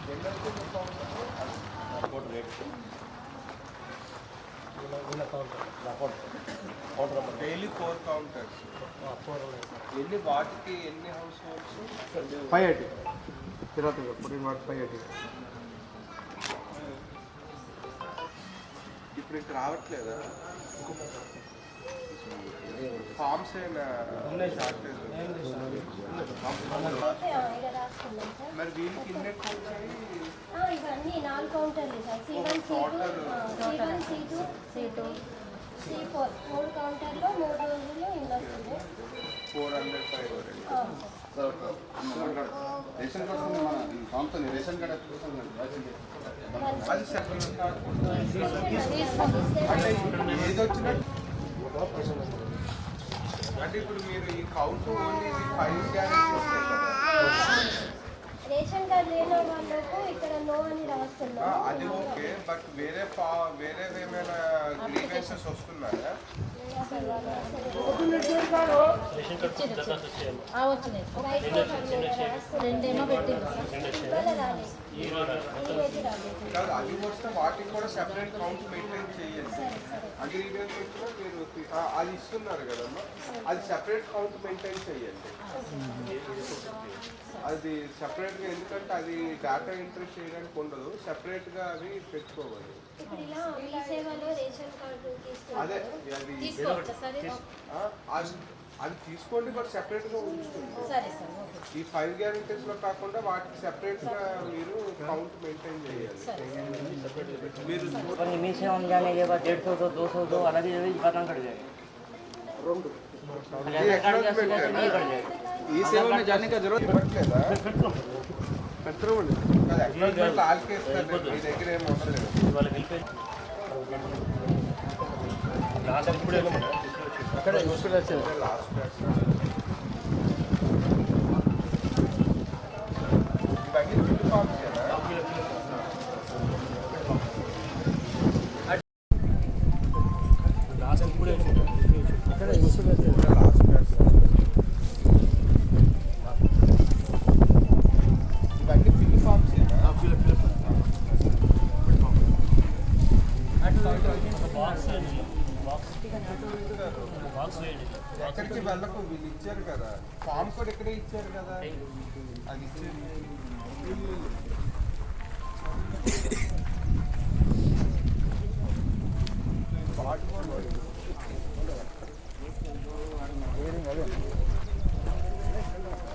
Daily 4 counters. ఎన్ని వాటికి ఎన్ని హౌస్ హోల్డ్స్? 580 తిరుపతి పుట్టిన వాటి 580. ఇప్పుడు ఇంక రావట్లేదా ఫార్మ్స్? అయినా షార్టేజ్ మరి వీళ్ళకి ఇన్నెట్ వచ్చాయి ఇవన్నీ 4 కౌంటర్లు sir. C1 C2 C2 C4 3 కౌంటర్లో 3 రోజుల్లో ఇల్లు వస్తుంది. 400 రేషన్ కార్డు మన కాంపనీ రేషన్ కార్డు అది సెపరేట్ కాకుండా ఏది వచ్చినా అంటే ఇప్పుడు మీరు ఈ count only 5 guarantees ration card లేని వాళ్ళకు ఇక్కడ నో అని రాస్తున్నారు. అది ఓకే, బట్ వేరే ఏమైనా గ్రీవెన్సెస్ వస్తున్నాయా? అది వస్తే వాటికి కూడా సెపరేట్ కౌంట్ మెయింటైన్ చేయండి. అగ్రిమెంట్ వచ్చినా మీరు అది ఇస్తున్నారు కదమ్మా, అది సెపరేట్ కౌంట్ మెయింటైన్ చేయండి. అది సెపరేట్గా, ఎందుకంటే అది డేటా ఎంట్రీ చేయడానికి ఉండదు, సెపరేట్గా అవి పెట్టుకోవాలి. అదే అది తీసుకోండి, బట్ సెపరేట్గా ఉంచుతుంది. ఈ 5 గ్యారెంటీస్లో కాకుండా వాటికి సెపరేట్గా మీరు కౌంట్ మెయింటైన్ చేయాలి. మీరు मिशन हम जाने के बाद 150 तो 200 तो अलग ही खत्म कर जाएगा। ఈ సేవ में जाने का जरूरत ఇవ్వట్లేదా? ఆల్కే ఇస్తారు, మీ దగ్గర ఏమి ఉండలేదు. అక్కడ లాస్ట్ ఇవన్నీ ఫిల్ ఫార్మ్స్ కదా. ఎక్కడికి వెళ్ళకు, వీళ్ళు ఇచ్చారు కదా ఫామ్ కూడా ఇక్కడే ఇచ్చారు కదా, అది ఇచ్చారు.